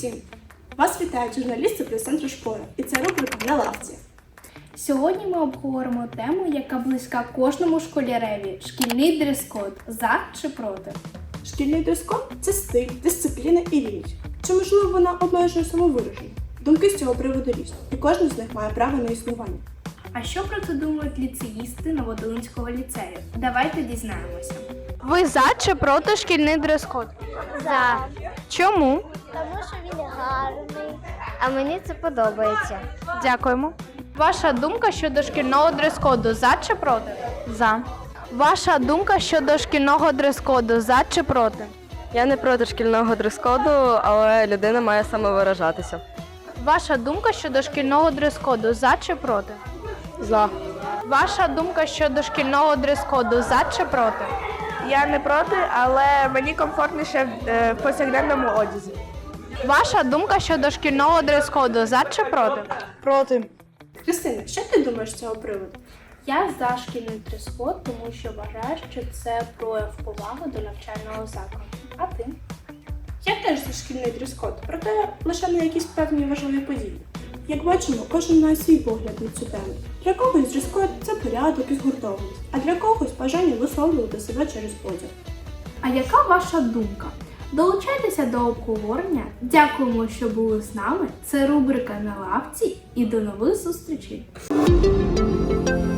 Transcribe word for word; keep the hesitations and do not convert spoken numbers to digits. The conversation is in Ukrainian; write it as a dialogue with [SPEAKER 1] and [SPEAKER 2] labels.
[SPEAKER 1] усім! Вас вітають журналісти прес-центру «Шпора» і це рубрика «На лавці».
[SPEAKER 2] Сьогодні ми обговоримо тему, яка близька кожному школяреві – шкільний дрес-код. За чи проти?
[SPEAKER 1] Шкільний дрес-код – це стиль, дисципліна і рівність. Чи, можливо, вона обмежує самовираження? Думки з цього приводу різні, і кожен з них має право на існування.
[SPEAKER 2] А що про це думають ліцеїсти Новодолинського ліцею? Давайте дізнаємося.
[SPEAKER 3] Ви за чи проти шкільний дрес-код?
[SPEAKER 4] За.
[SPEAKER 3] Чому?
[SPEAKER 4] Тому що він гарний. А мені це подобається.
[SPEAKER 3] Дякуємо. Ваша думка щодо шкільного дрес-коду за чи проти? За. Ваша думка щодо шкільного дрес-коду за чи проти?
[SPEAKER 5] Я не проти шкільного дрес-коду, але людина має самовиражатися.
[SPEAKER 3] Ваша думка щодо шкільного дрес-коду за чи проти?
[SPEAKER 5] За.
[SPEAKER 3] Ваша думка щодо шкільного дрес-коду за чи проти?
[SPEAKER 6] Я не проти, але мені комфортніше в повсякденному одязі.
[SPEAKER 3] Ваша думка щодо шкільного дрес-коду за чи проти?
[SPEAKER 6] Проти.
[SPEAKER 1] Христина, що ти думаєш з цього приводу?
[SPEAKER 2] Я за шкільний дрес-код, тому що вважаю, що це прояв поваги до навчального закладу. А ти?
[SPEAKER 1] Я теж за шкільний дрес-код, проте лише на якісь певні важливі події. Як бачимо, кожен має свій погляд на цю тему. Для когось дрес-код – це порядок і згуртованість, а для когось бажання висловлювати себе через одяг.
[SPEAKER 2] А яка ваша думка? Долучайтеся до обговорення. Дякуємо, що були з нами. Це рубрика «На лавці» і до нових зустрічей!